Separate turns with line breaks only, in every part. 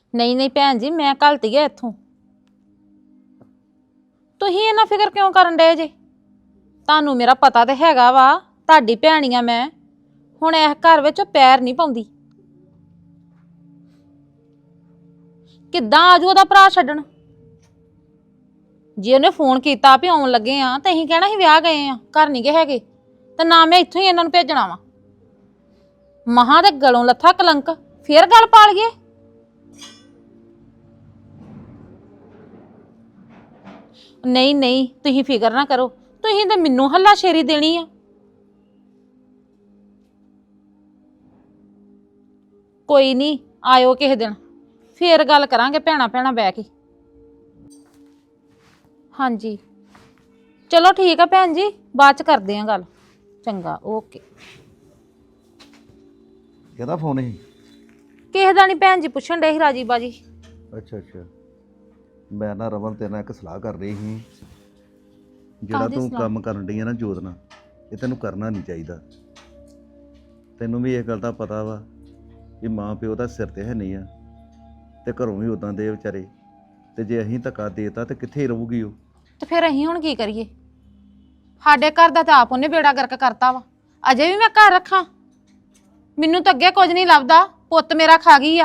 ਨਹੀਂ ਨਹੀਂ ਭੈਣ ਜੀ, ਮੈਂ ਘਲਤੀ ਆ ਇੱਥੋਂ। ਤੁਸੀਂ ਇੰਨਾ ਫਿਕਰ ਕਿਉਂ ਕਰਨ ਡਏ ਜੇ? ਤੁਹਾਨੂੰ ਮੇਰਾ ਪਤਾ ਤੇ ਹੈਗਾ ਵਾ, ਤੁਹਾਡੀ ਭੈਣੀ ਆ ਮੈਂ। ਹੁਣ ਇਸ ਘਰ ਵਿੱਚ ਪੈਰ ਨਹੀਂ ਪਾਉਂਦੀ। ਕਿੱਦਾਂ ਆਜੂ ਉਹਦਾ ਭਰਾ ਛੱਡਣ? ਜੇ ਉਹਨੇ ਫੋਨ ਕੀਤਾ ਵੀ ਆਉਣ ਲੱਗੇ ਆ ਤੇ ਅਸੀਂ ਕਹਿਣਾ ਸੀ ਵਿਆਹ ਗਏ ਆ, ਘਰ ਨਹੀਂ ਗਏ ਹੈਗੇ, ਤੇ ਨਾ ਮੈਂ ਇੱਥੋਂ ਹੀ ਇਹਨਾਂ ਨੂੰ ਭੇਜਣਾ ਵਾ। ਮਹਾਂ ਦੇ ਗਲੋਂ ਲੱਥਾ ਕਲੰਕ, ਫੇਰ ਗੱਲ ਪਾਲ ਗਏ। ਨਹੀਂ ਨਹੀਂ, ਤੁਸੀਂ ਫਿਕਰ ਨਾ ਕਰੋ, ਤੁਸੀਂ ਤੇ ਮੈਨੂੰ ਹੱਲਾ ਸ਼ੇਰੀ ਦੇਣੀ ਆ। ਕੋਈ ਨਹੀਂ, ਆਇਓ ਕਿਸੇ ਦਿਨ, ਫੇਰ ਗੱਲ ਕਰਾਂਗੇ ਭੈਣਾਂ ਭੈਣਾਂ ਬਹਿ ਕੇ। ਹਾਂਜੀ ਚਲੋ ਠੀਕ ਆ ਭੈਣ ਜੀ, ਬਾਅਦ ਚ ਕਰਦੇ ਆਂ ਗੱਲ। ਚੰਗਾ, ਓਕੇ।
ਕਿਹਦਾ ਫੋਨ ਸੀ?
ਕਿਸੇ ਦਾ ਨਹੀਂ ਭੈਣ ਜੀ, ਪੁੱਛਣ ਡੇ ਸੀ ਰਾਜੀ ਬਾਜੀ।
ਅੱਛਾ ਅੱਛਾ, ਮੈਂ ਨਾ ਰਮਨ ਤੇਰੇ ਨਾਲ ਇੱਕ ਸਲਾਹ ਕਰ ਰਹੀ ਸੀ। ਜਿਹੜਾ ਤੂੰ ਕੰਮ ਕਰਨ ਡਈ ਆ ਨਾ ਜੋਤ ਨਾਲ, ਇਹ ਤੈਨੂੰ ਕਰਨਾ ਨਹੀਂ ਚਾਹੀਦਾ। ਤੈਨੂੰ ਵੀ ਇਹ ਗੱਲ ਦਾ ਪਤਾ ਵਾ ਕਿ ਮਾਂ ਪਿਓ ਦਾ ਸਿਰ ਤੇ ਹੈ ਨਹੀਂ ਆ, ਤੇ ਘਰੋਂ ਵੀ ਉਦਾਂ ਦੇ ਵਿਚਾਰੇ, ਤੇ ਜੇ ਅਸੀਂ ਧੱਕਾ ਦੇਤਾ ਤੇ ਕਿੱਥੇ ਰਹੂਗੀ ਉਹ?
ਤੇ ਫਿਰ ਅਸੀਂ ਹੁਣ ਕੀ ਕਰੀਏ? ਸਾਡੇ ਘਰ ਦਾ ਤਾਂ ਆਪ ਉਹਨੇ ਬੇੜਾ ਗਰਕ ਕਰਤਾ ਵਾ। ਅਜੇ ਵੀ ਮੈਂ ਘਰ ਰੱਖਾਂ? ਮੈਨੂੰ ਤਾਂ ਅੱਗੇ ਕੁਝ ਨਹੀਂ ਲੱਭਦਾ, ਪੁੱਤ ਮੇਰਾ ਖਾ ਗਈ ਆ।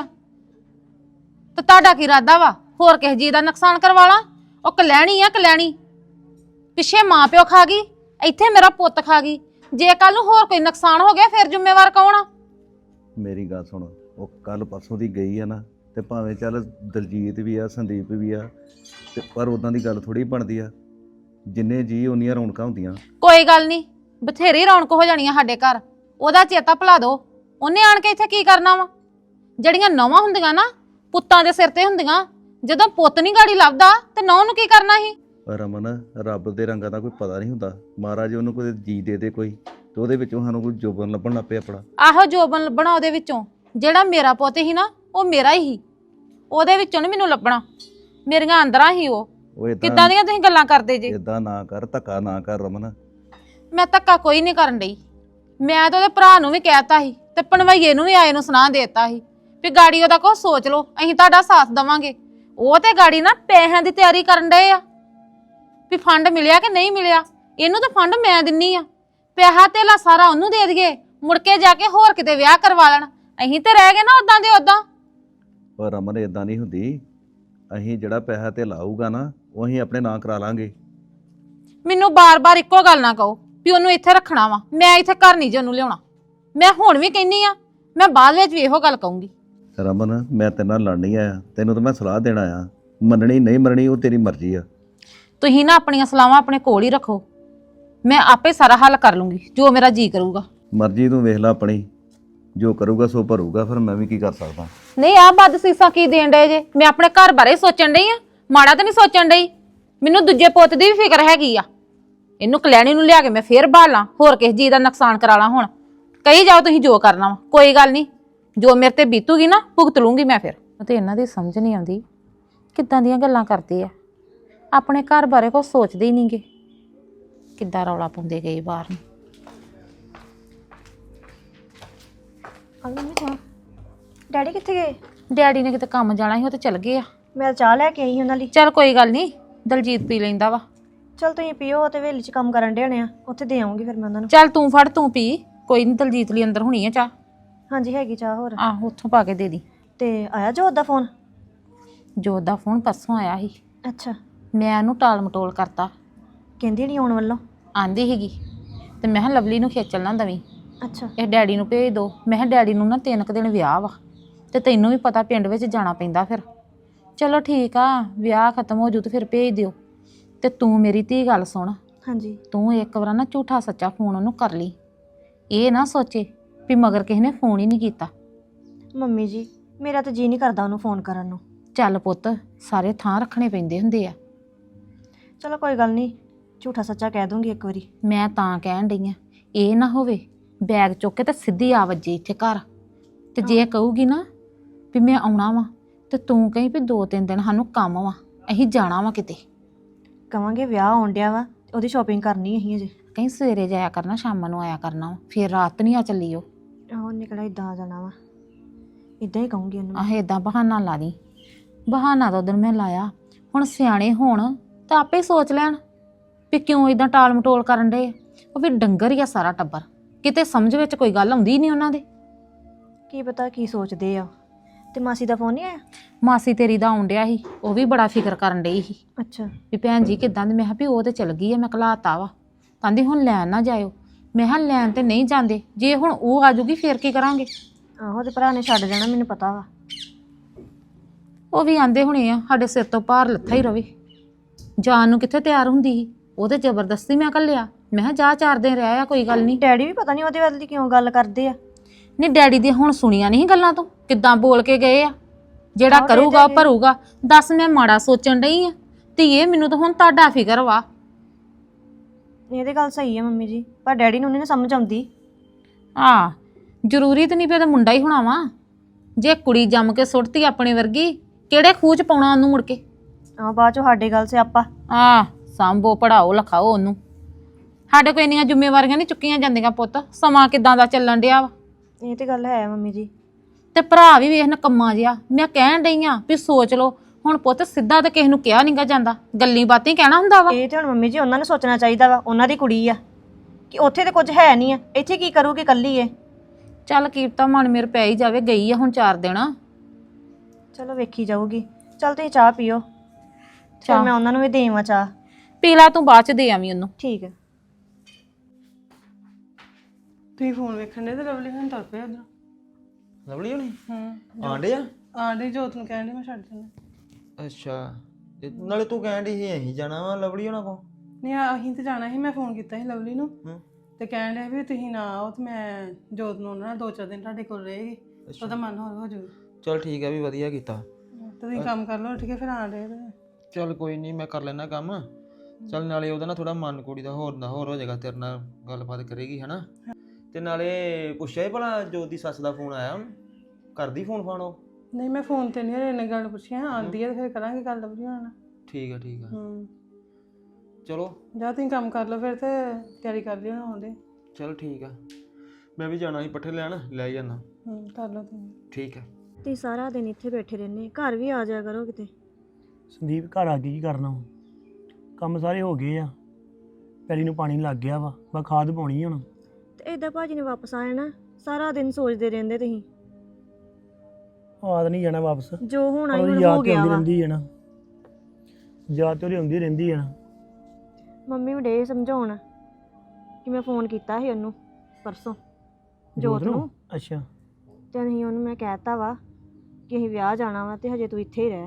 ਤੇ ਤੁਹਾਡਾ ਕੀ ਇਰਾਦਾ ਵਾ? ਹੋਰ ਕਿਸੇ ਜੀ ਦਾ ਨੁਕਸਾਨ ਕਰਵਾ ਲਾਂ? ਉਹ ਕਲੈਣੀ ਆ ਕਲੈਣੀ, ਪਿੱਛੇ ਮਾਂ ਪਿਓ ਖਾ ਗਈ, ਇੱਥੇ ਮੇਰਾ ਪੁੱਤ ਖਾ ਗਈ। ਜੇ ਕੱਲ ਨੂੰ ਹੋਰ ਕੋਈ ਨੁਕਸਾਨ ਹੋ ਗਿਆ ਫਿਰ ਜ਼ਿੰਮੇਵਾਰ ਕੌਣ ਆ?
ਮੇਰੀ ਗੱਲ ਸੁਣ, ਉਹ ਕੱਲ ਪਰਸੋਂ ਦੀ ਗਈ ਆ ਨਾ, ਤੇ ਭਾਵੇਂ ਚੱਲ ਦਲਜੀਤ ਵੀ ਆ, ਸੰਦੀਪ ਵੀ ਆ, ਤੇ ਪਰ ਉਦਾਂ ਦੀ ਗੱਲ ਥੋੜੀ ਬਣਦੀ ਆ। ਜਿੰਨੇ ਜੀ ਉਨੀਆਂ ਰੌਣਕਾਂ ਹੁੰਦੀਆਂ।
ਕੋਈ ਗੱਲ ਨਹੀਂ, ਬਥੇਰੀ ਰੌਣਕ ਹੋ ਜਾਣੀ ਆ ਸਾਡੇ ਘਰ। ਉਹਦਾ ਚੇਤਾ ਭੁਲਾ ਦੋ। ਉਹਨੇ ਆਣ ਕੇ ਇੱਥੇ ਕੀ ਕਰਨਾ ਵਾ? ਜਿਹੜੀਆਂ ਨੌਵਾਂ ਹੁੰਦੀਆਂ ਨਾ, ਪੁੱਤਾਂ ਦੇ ਸਿਰ ਤੇ ਹੁੰਦੀਆਂ। ਜਦੋਂ ਪੁੱਤ ਨਹੀਂ ਗਾੜੀ ਲੱਭਦਾ ਤੇ ਨੌਂ ਨੂੰ ਕੀ ਕਰਨਾ ਸੀ?
ਰਮਨ, ਰੱਬ ਦੇ ਰੰਗਾਂ ਦਾ ਕੋਈ ਪਤਾ ਨਹੀਂ ਹੁੰਦਾ। ਮਹਾਰਾਜ ਉਹਨੂੰ ਕੋਈ ਜੀ ਦੇ ਦੇ ਕੋਈ, ਤੇ ਉਹਦੇ ਵਿੱਚੋਂ ਸਾਨੂੰ ਕੋਈ ਜੋਬਨ ਲੱਭਣ ਲੱਗ ਪਿਆ ਆਪਣਾ।
ਆਹੋ ਜੋਬਨ ਲੱਭਣਾ ਉਹਦੇ ਵਿੱਚੋਂ। ਜਿਹੜਾ ਮੇਰਾ ਪੁੱਤ ਸੀ ਨਾ, ਉਹ ਮੇਰਾ ਹੀ ਸੀ, ਉਹਦੇ ਵਿੱਚੋਂ ਨੀ ਮੈਨੂੰ ਲੱਭਣਾ। ਮੇਰੀਆਂ ਅੰਦਰਾਂ ਹੀ ਉਹ। ਕਿੱਦਾਂ ਦੀਆਂ ਤੁਸੀਂ ਗੱਲਾਂ ਕਰਦੇ ਜੇ?
ਇਦਾਂ ਨਾ ਕਰ, ਧੱਕਾ ਨਾ ਕਰ ਰਮਨ।
ਮੈਂ ਧੱਕਾ ਕੋਈ ਨਹੀਂ ਕਰਨ ਡਈ। ਮੈਂ ਤਾਂ ਉਹਦੇ ਭਰਾ ਨੂੰ ਵੀ ਕਹਿਤਾ ਸੀ ਤੇ ਭਣਵਈਏ ਨੂੰ ਵੀ ਆਏ ਨੂੰ ਸੁਣਾ ਦੇਤਾ ਸੀ ਵੀ ਗਾੜੀ ਉਹਦਾ ਕੁਛ ਸੋਚ ਲਓ, ਅਸੀਂ ਤੁਹਾਡਾ ਸਾਥ ਦੇਵਾਂਗੇ। ਉਹ ਤੇ ਗਾੜੀ ਨਾ ਪੈਸਿਆਂ ਦੀ ਤਿਆਰੀ ਕਰਨ ਡਏ ਆ ਵੀ ਫੰਡ ਮਿਲਿਆ ਕਿ ਨਹੀਂ ਮਿਲਿਆ। ਇਹਨੂੰ ਤਾਂ ਫੰਡ ਮੈਂ ਦਿੰਨੀ ਆ, ਪੈਸਾ ਧੇਲਾ ਸਾਰਾ ਉਹਨੂੰ ਦੇ ਦਈਏ, ਮੁੜ ਕੇ ਜਾ ਕੇ ਹੋਰ ਕਿਤੇ ਵਿਆਹ ਕਰਵਾ ਲੈਣ। ਅਸੀਂ ਤੇ ਰਹਿ ਗਏ ਨਾ ਉਦਾਂ ਦੇ ਉਦਾਂ।
ਪਰ ਰਮਨ ਇਦਾਂ ਨਹੀਂ ਹੁੰਦੀ। ਅਸੀਂ ਜਿਹੜਾ ਪੈਸਾ ਤੇ ਲਾਊਗਾ ਨਾ, ਉਹ ਅਸੀਂ ਆਪਣੇ ਨਾਂ ਕਰਾ ਲਾਂਗੇ।
ਮੈਨੂੰ ਬਾਰ-ਬਾਰ ਇੱਕੋ ਗੱਲ ਨਾ ਕਹੋ ਵੀ ਉਹਨੂੰ ਇੱਥੇ ਰੱਖਣਾ ਵਾ। ਮੈਂ ਇੱਥੇ ਘਰ ਨਹੀਂ ਜੇ ਉਹਨੂੰ ਲਿਆਉਣਾ। ਮੈਂ ਹੁਣ ਵੀ ਕਹਿੰਨੀ ਆ, ਮੈਂ ਬਾਅਦ ਵਿੱਚ ਵੀ ਇਹੋ ਗੱਲ ਕਹੂੰਗੀ।
ਰਮਨ, ਮੈਂ ਤੇਰੇ ਨਾਲ ਲੜ ਨਹੀਂ ਆਇਆ, ਤੈਨੂੰ ਤਾਂ ਮੈਂ ਸਲਾਹ ਦੇਣ ਆਇਆ। ਮੰਨਣੀ ਨਹੀਂ ਮੰਨਣੀ ਉਹ ਤੇਰੀ ਮਰਜ਼ੀ ਆ।
ਤੁਸੀਂ ਨਾ ਆਪਣੀਆਂ ਸਲਾਹਾਂ ਆਪਣੇ ਕੋਲ ਹੀ ਰੱਖੋ, ਮੈਂ ਆਪੇ ਸਾਰਾ ਹੱਲ ਕਰ ਲੂੰਗੀ ਜੋ ਮੇਰਾ ਜੀ ਕਰੂਗਾ।
ਮਰਜ਼ੀ ਤੂੰ ਵੇਖ ਲੈ ਆਪਣੀ, ਜੋ ਕਰੂਗਾ ਸੋ ਭਰੂਗਾ, ਫਿਰ ਮੈਂ ਵੀ ਕੀ ਕਰ ਸਕਦਾ।
ਨਹੀਂ ਆ ਬੱਦ ਸੀਸਾਂ ਕੀ ਦੇਣ ਡਏ ਜੇ? ਮੈਂ ਆਪਣੇ ਘਰ ਬਾਰੇ ਸੋਚਣ ਡਈ ਆ, ਮਾੜਾ ਤਾਂ ਨਹੀਂ ਸੋਚਣ ਡਈ। ਮੈਨੂੰ ਦੂਜੇ ਪੁੱਤ ਦੀ ਵੀ ਫਿਕਰ ਹੈਗੀ ਆ। ਇਹਨੂੰ ਕਲੈਣੀ ਨੂੰ ਲਿਆ ਕੇ ਮੈਂ ਫੇਰ ਭਾਲਾਂ, ਹੋਰ ਕਿਸੇ ਜੀ ਦਾ ਨੁਕਸਾਨ ਕਰਾ ਲਾਂ। ਹੁਣ ਕਹੀ ਜਾਓ ਤੁਸੀਂ ਜੋ ਕਰਨਾ ਵਾ, ਕੋਈ ਗੱਲ ਨਹੀਂ, ਜੋ ਮੇਰੇ ਤੇ ਬੀਤੂਗੀ ਨਾ ਭੁਗਤ ਲੂੰਗੀ ਮੈਂ। ਫਿਰ ਤੇ ਇਹਨਾਂ ਦੀ ਸਮਝ ਨਹੀਂ ਆਉਂਦੀ, ਕਿੱਦਾਂ ਦੀਆਂ ਗੱਲਾਂ ਕਰਦੇ ਆ। ਆਪਣੇ ਘਰ ਬਾਰੇ ਕੁਛ ਸੋਚਦੇ ਹੀ ਨਹੀਂਗੇ, ਕਿੱਦਾਂ ਰੌਲਾ ਪਾਉਂਦੇ ਗਏ ਬਾਹਰ ਨੂੰ।
ਡੈਡੀ ਕਿੱਥੇ ਗਏ?
ਡੈਡੀ ਨੇ ਕਿਤੇ ਕੰਮ ਜਾਣਾ ਸੀ, ਉਹ ਤੇ ਚਲ ਗਏ ਆ।
ਮੈਂ ਚਾਹ ਲੈ ਕੇ ਆਈ ਉਹਨਾਂ ਲਈ।
ਚੱਲ ਕੋਈ ਗੱਲ ਨਹੀਂ, ਦਲਜੀਤ ਪੀ ਲੈਂਦਾ ਵਾ।
ਚਲ ਤੁਸੀਂ ਪੀਓ, ਤੇ ਵੇਲੀ 'ਚ ਕੰਮ ਕਰਨ ਡੇ ਹੋਣੇ ਆ, ਉੱਥੇ ਦੇ ਆਉਂਗੀ ਫਿਰ ਮੈਂ ਉਹਨਾਂ ਨੂੰ।
ਚੱਲ ਤੂੰ ਫੜ, ਤੂੰ ਪੀ, ਕੋਈ ਨਹੀਂ। ਦਲਜੀਤ ਲਈ ਅੰਦਰ ਹੋਣੀ ਆ ਚਾਹ।
ਹਾਂਜੀ ਹੈਗੀ ਚਾਹ। ਹੋਰ
ਆਹੋ, ਉੱਥੋਂ ਪਾ ਕੇ ਦੇ ਦੀ।
ਤੇ ਆਇਆ ਜੋਤ ਦਾ ਫੋਨ?
ਜੋਤ ਦਾ ਫੋਨ ਪਰਸੋਂ ਆਇਆ ਸੀ,
ਅੱਛਾ।
ਮੈਂ ਉਹਨੂੰ ਟਾਲ ਮਟੋਲ ਕਰਤਾ।
ਕਹਿੰਦੀ ਨਹੀਂ ਆਉਣ ਵੱਲੋਂ?
ਆਂਦੀ ਸੀਗੀ, ਤੇ ਮੈਂ ਕਿਹਾ ਲਵਲੀ ਨੂੰ ਖੇਚਲ ਨਾ ਦਵੀਂ,
ਅੱਛਾ।
ਇਹ ਡੈਡੀ ਨੂੰ ਭੇਜ ਦੋ। ਮੈਂ ਕਿਹਾ ਡੈਡੀ ਨੂੰ ਨਾ 3 ਦਿਨ ਵਿਆਹ ਵਾ, ਤੇ ਤੈਨੂੰ ਵੀ ਪਤਾ ਪਿੰਡ ਵਿੱਚ ਜਾਣਾ ਪੈਂਦਾ। ਫਿਰ ਚਲੋ ਠੀਕ ਆ, ਵਿਆਹ ਖਤਮ ਹੋ ਜੂ ਤੇ ਫਿਰ ਭੇਜ ਦਿਓ। ਤੇ ਤੂੰ ਮੇਰੀ ਧੀ ਗੱਲ ਸੁਣ।
ਹਾਂਜੀ।
ਤੂੰ ਇੱਕ ਵਾਰ ਨਾ ਝੂਠਾ ਸੱਚਾ ਫੋਨ ਉਹਨੂੰ ਕਰ ਲਈ। ਇਹ ਨਾ ਸੋਚੇ ਵੀ ਮਗਰ ਕਿਸੇ ਨੇ ਫੋਨ ਹੀ ਨਹੀਂ ਕੀਤਾ।
ਮੰਮੀ ਜੀ, ਮੇਰਾ ਤਾਂ ਜੀ ਨਹੀਂ ਕਰਦਾ ਉਹਨੂੰ ਫੋਨ ਕਰਨ ਨੂੰ।
ਚੱਲ ਪੁੱਤ, ਸਾਰੇ ਥਾਂ ਰੱਖਣੇ ਪੈਂਦੇ ਹੁੰਦੇ ਆ।
ਚਲੋ ਕੋਈ ਗੱਲ ਨਹੀਂ, ਝੂਠਾ ਸੱਚਾ ਕਹਿ ਦੂੰਗੀ ਇੱਕ ਵਾਰੀ।
ਮੈਂ ਤਾਂ ਕਹਿਣ ਡਈ ਆ, ਇਹ ਨਾ ਹੋਵੇ ਬੈਗ ਚੁੱਕ ਕੇ ਤੇ ਸਿੱਧੀ ਆ ਵੱਜੇ ਇੱਥੇ ਘਰ। ਤੇ ਜੇ ਕਹੂਗੀ ਨਾ ਵੀ ਮੈਂ ਆਉਣਾ ਵਾ, ਤੇ ਤੂੰ ਕਹੀਂ ਵੀ 2-3 ਦਿਨ ਸਾਨੂੰ ਕੰਮ ਵਾ, ਅਸੀਂ ਜਾਣਾ ਵਾ ਕਿਤੇ।
ਕਵਾਂਗੇ ਵਿਆਹ ਆਉਣ ਡਿਆ ਵਾ, ਉਹਦੀ ਸ਼ਾਪਿੰਗ ਕਰਨੀ ਅਸੀਂ ਅਜੇ।
ਕਹੀਂ ਸਵੇਰੇ ਜਾਇਆ ਕਰਨਾ, ਸ਼ਾਮਾਂ ਨੂੰ ਆਇਆ ਕਰਨਾ ਵਾ, ਫਿਰ ਰਾਤ ਨਹੀਂ ਆ ਚੱਲੀ ਉਹ।
ਆਹੋ, ਨਿਕਲਾ ਇਦਾਂ ਆ ਜਾਣਾ ਵਾ। ਇਦਾਂ ਹੀ ਕਹੂੰਗੀ ਉਹਨੂੰ।
ਆਹ ਏਦਾਂ ਬਹਾਨਾ ਲਾ ਦੀ ਬਹਾਨਾ ਤਾਂ ਉਦੋਂ ਮੈਂ ਲਾਇਆ, ਹੁਣ ਸਿਆਣੇ ਹੋਣ ਤਾਂ ਆਪੇ ਸੋਚ ਲੈਣ ਵੀ ਕਿਉਂ ਇਦਾਂ ਟਾਲ ਮਟੋਲ ਕਰਨ ਡੇ। ਉਹ ਵੀ ਡੰਗਰ ਹੀ ਆ ਸਾਰਾ ਟੱਬਰ, ਕਿਤੇ ਸਮਝ ਵਿੱਚ ਕੋਈ ਗੱਲ ਆਉਂਦੀ ਨਹੀਂ ਉਹਨਾਂ ਦੇ।
ਕੀ ਪਤਾ ਕੀ ਸੋਚਦੇ ਆ। ਤੇ ਮਾਸੀ ਦਾ ਫੋਨ ਨਹੀਂ ਆਇਆ?
ਮਾਸੀ ਤੇਰੀ ਦਾ ਆਉਣ ਡਿਆ ਸੀ, ਉਹ ਵੀ ਬੜਾ ਫਿਕਰ ਕਰਨ ਡਈ ਸੀ
ਅੱਛਾ।
ਵੀ ਭੈਣ ਜੀ ਕਿੱਦਾਂ ਦੀ। ਮੈਂ ਕਿਹਾ ਵੀ ਉਹ ਤੇ ਚਲ ਗਈ ਆ, ਮੈਂ ਘਲਾਤਾ ਵਾ। ਕਹਿੰਦੀ ਹੁਣ ਲੈਣ ਨਾ ਜਾਇਓ। ਮੈਂ ਕਿਹਾ ਲੈਣ ਤੇ ਨਹੀਂ ਜਾਂਦੇ, ਜੇ ਹੁਣ ਉਹ ਆ ਜੂਗੀ ਫੇਰ ਕੀ ਕਰਾਂਗੇ।
ਆਹੋ ਤੇ ਭਰਾ ਨੇ ਛੱਡ ਜਾਣਾ, ਮੈਨੂੰ ਪਤਾ ਵਾ।
ਉਹ ਵੀ ਆਂਦੇ ਹੋਣੇ ਆ ਸਾਡੇ ਸਿਰ ਤੋਂ ਭਾਰ ਲੱਥਾ ਹੀ ਰਵੇ। ਜਾਣ ਨੂੰ ਕਿੱਥੇ ਤਿਆਰ ਹੁੰਦੀ ਸੀ, ਉਹ ਤੇ ਜ਼ਬਰਦਸਤੀ ਮੈਂ ਘੱਲਿਆ। ਮੈਂ ਕਿਹਾ ਜਾ 4 ਦਿਨ ਰਹਿ ਆ, ਕੋਈ ਗੱਲ ਨਹੀਂ।
ਡੈਡੀ ਵੀ ਪਤਾ ਨਹੀਂ ਉਹਦੇ ਵੱਲ ਦੀ ਕਿਉਂ ਗੱਲ ਕਰਦੇ ਆ।
ਨਹੀਂ ਡੈਡੀ ਦੀ ਹੁਣ ਸੁਣੀਆਂ ਨਹੀਂ ਗੱਲਾਂ ਤੋਂ, ਕਿੱਦਾਂ ਬੋਲ ਕੇ ਗਏ ਆ। ਜਿਹੜਾ
ਆਹੋ,
ਕਰੂਗਾ ਉਹ ਭਰੂਗਾ। ਦੱਸ ਮੈਂ ਮਾੜਾ ਸੋਚਣ ਡਈ ਆ ਧੀਏ, ਮੈਨੂੰ ਤਾਂ ਹੁਣ ਤੁਹਾਡਾ ਫਿਕਰ ਵਾ।
ਇਹ ਤੇ ਗੱਲ ਸਹੀ ਆ ਮੰਮੀ ਜੀ, ਪਰ ਡੈਡੀ ਨੂੰ ਨਹੀਂ ਸਮਝ ਆਉਂਦੀ।
ਆ ਜ਼ਰੂਰੀ ਤਾਂ ਨਹੀਂ ਪਿਆ ਤਾਂ ਮੁੰਡਾ ਹੀ ਹੋਣਾ ਵਾ। ਜੇ ਕੁੜੀ ਜੰਮ ਕੇ ਸੁੱਟਤੀ ਆਪਣੇ ਵਰਗੀ, ਕਿਹੜੇ ਖੂਹ ਚ ਪਾਉਣਾ ਉਹਨੂੰ ਮੁੜ ਕੇ।
ਬਾਅਦ ਚੋਂ ਸਾਡੇ ਗੱਲ ਸਿਆਪਾ।
ਸਾਂਭੋ ਪੜਾਓ ਲਿਖਾਓ ਉਹਨੂੰ। ਸਾਡੇ ਕੋਲ ਇੰਨੀਆਂ ਜ਼ਿੰਮੇਵਾਰੀਆਂ ਨਹੀਂ ਚੁੱਕੀਆਂ ਜਾਂਦੀਆਂ ਪੁੱਤ, ਸਮਾਂ ਕਿਦਾਂ ਦਾ ਚੱਲਣ ਡਿਆ ਵਾ।
ਇਹ ਤੇ ਗੱਲ ਹੈ ਮੰਮੀ ਜੀ।
ਤੇ ਭਰਾ ਵੀ ਵੇਖ ਨਕੰਮਾ ਜਿਹਾ। ਮੈਂ ਕਹਿਣ ਡਈ ਆ ਵੀ ਸੋਚ ਲਓ ਹੁਣ ਪੁੱਤ, ਸਿੱਧਾ ਤਾਂ ਕਿਸੇ ਨੂੰ ਕਿਹਾ ਨਹੀਂਗਾ ਜਾਂਦਾ, ਗੱਲੀ ਬਾਤੀ ਕਹਿਣਾ ਹੁੰਦਾ ਵਾ।
ਇਹ ਤੇ ਹੁਣ ਮੰਮੀ ਜੀ ਉਹਨਾਂ ਨੂੰ ਸੋਚਣਾ ਚਾਹੀਦਾ ਵਾ, ਉਹਨਾਂ ਦੀ ਕੁੜੀ ਆ ਕਿ ਉੱਥੇ ਤੇ ਕੁਝ ਹੈ ਨਹੀਂ ਆ, ਇੱਥੇ ਕੀ ਕਰੂਗੀ ਕੱਲੀ ਏ।
ਚੱਲ ਕੀਪਤਾ ਮਨ ਮੇਰ ਪੈ ਹੀ ਜਾਵੇ, ਗਈ ਆ ਹੁਣ 4 ਦਿਨ।
ਚਲੋ ਵੇਖੀ ਜਾਊਗੀ। ਚੱਲ ਤੁਸੀਂ ਚਾਹ ਪੀਓ, ਚਲ ਮੈਂ ਉਹਨਾਂ ਨੂੰ ਵੀ ਦੇਵਾਂ ਚਾਹ।
ਪੀ ਲਾ ਤੂੰ, ਬਾਅਦ ਚ ਦੇ ਆਵੀਂ ਉਹਨੂੰ।
ਠੀਕ ਹੈ।
ਤੁਸੀਂ ਫੋਨ ਵੇਖਣ ਦੇ ਤੇ ਲਵਲੀ ਹੁਣ ਤੁਰ ਪਿਆ ਉਧਰ।
ਲਵਲੀ ਹੋਣੀ ਆਂਡੇ ਆ
ਆਂਡੇ ਜੋਤ ਨੂੰ ਕਹਿਣ ਦੇ ਮੈਂ ਛੱਡ ਦਿੰਦਾ।
ਅੱਛਾ, ਤੇ ਨਾਲੇ ਤੂੰ ਕਹਿਣ ਡਈ ਸੀ ਅਸੀਂ ਜਾਣਾ ਵਾ ਲਵਲੀ ਹੋਣਾ ਕੋ।
ਨਹੀਂ ਅਸੀਂ ਤੇ ਜਾਣਾ ਸੀ, ਮੈਂ ਫੋਨ ਕੀਤਾ ਸੀ ਲਵਲੀ ਨੂੰ ਤੇ ਕਹਿਣ ਡਿਆ ਵੀ ਤੁਸੀਂ ਨਾ ਆਓ ਤੇ ਮੈਂ ਜੋਤ ਨੂੰ ਉਹਨਾਂ ਨਾਲ 2-4 ਦਿਨ ਤੁਹਾਡੇ ਕੋਲ ਰਹੇਗੀ, ਉਹਦਾ ਮਨ ਹੋਰ ਹੋ ਜਾਊਗਾ।
ਚਲ ਠੀਕ ਆ, ਵੀ ਵਧੀਆ ਕੀਤਾ।
ਤੇ ਤੁਸੀਂ ਕੰਮ ਕਰ ਲਓ, ਠੀਕ ਹੈ? ਫਿਰ ਆਂਡੇ
ਚਲ ਕੋਈ ਨਹੀਂ, ਮੈਂ ਕਰ ਲੈਣਾ ਕੰਮ। ਚਲ ਨਾਲੇ ਉਹਦਾ ਨਾ ਥੋੜਾ ਮਨ ਕੁੜੀ ਦਾ ਹੋਰ ਹੋ ਜਾਏਗਾ, ਤੇਰੇ ਨਾਲ ਗੱਲਬਾਤ ਕਰੇਗੀ ਹਨਾ। ਤੇ ਨਾਲੇ ਪੁੱਛਿਆ ਹੀ ਭਲਾ ਜੋਤ ਦੀ ਸੱਸ ਦਾ ਫੋਨ ਆਇਆ, ਕਰਦੀ ਫੋਨ ਫਾਨ ਉਹ?
ਨਹੀਂ ਮੈਂ ਫੋਨ ਤੇ ਨਹੀਂ ਇਹਨੇ ਗੱਲ ਪੁੱਛੀ, ਆਂਦੀ ਹੈ ਤੇ ਫਿਰ ਕਰਾਂਗੇ ਗੱਲ ਲਵਲੀ ਹੋਣਾ ਨਾਲ।
ਠੀਕ ਆ ਠੀਕ ਆ। ਚਲੋ
ਜਾ ਤੁਸੀਂ ਕੰਮ ਕਰ ਲਓ ਫਿਰ, ਤੇ ਤਿਆਰੀ ਕਰ ਲਿਓ ਆਉਂਦੇ।
ਚਲ ਠੀਕ ਆ, ਮੈਂ ਵੀ ਜਾਣਾ ਸੀ ਪੱਠੇ ਲੈਣ, ਲੈ ਜਾਣਾ।
ਕਰ ਲਓ ਤੁਸੀਂ।
ਠੀਕ ਆ।
ਤੁਸੀਂ ਸਾਰਾ ਦਿਨ ਇੱਥੇ ਬੈਠੇ ਰਹਿੰਦੇ, ਘਰ ਵੀ ਆ ਜਾਇਆ ਕਰੋ ਕਿਤੇ।
ਸੰਦੀਪ ਘਰ ਆ ਕੇ ਕੀ ਕਰਨਾ ਹੁਣ, ਕੰਮ ਸਾਰੇ ਹੋ ਗਏ ਆ, ਪੈਲੀ ਨੂੰ ਪਾਣੀ ਲੱਗ ਗਿਆ ਵਾ, ਬਸ ਖਾਦ ਪਾਉਣੀ ਹੁਣ।
ਤੇ ਏਦਾਂ ਭਾਜੀ ਨੇ ਵਾਪਸ ਆ ਜਾਣਾ, ਸਾਰਾ ਦਿਨ ਸੋਚਦੇ ਰਹਿੰਦੇ ਤੁਸੀਂ।
ਆਦ ਨਹੀਂ ਜਾਣਾ ਵਾਪਸ,
ਜੋ ਹੋਣਾ ਹੀ
ਉਹਦੀ
ਹੁਣ
ਯਾਦ
ਹੋ
ਤੇ
ਗਿਆ
ਆਉਂਦੀ
ਵਾ।
ਰਹਿੰਦੀ ਹੈ ਨਾ, ਯਾਦ ਤੇ ਉਹਦੀ ਆਉਂਦੀ ਰਹਿੰਦੀ ਹੈ ਨਾ।
ਮੰਮੀ ਨੂੰ ਡੇ ਸਮਝਾਉਣ ਕਿ ਮੈਂ ਫੋਨ ਕੀਤਾ ਸੀ ਉਹਨੂੰ ਪਰਸੋਂ ਜੋਤ ਨੂੰ।
ਅੱਛਾ।
ਤੇ ਅਸੀਂ ਉਹਨੂੰ ਮੈਂ ਕਹਿਤਾ ਵਾ ਕਿ ਅਸੀਂ ਵਿਆਹ ਜਾਣਾ ਵਾ ਤੇ ਹਜੇ ਤੂੰ ਇੱਥੇ ਹੀ ਰਹਿ।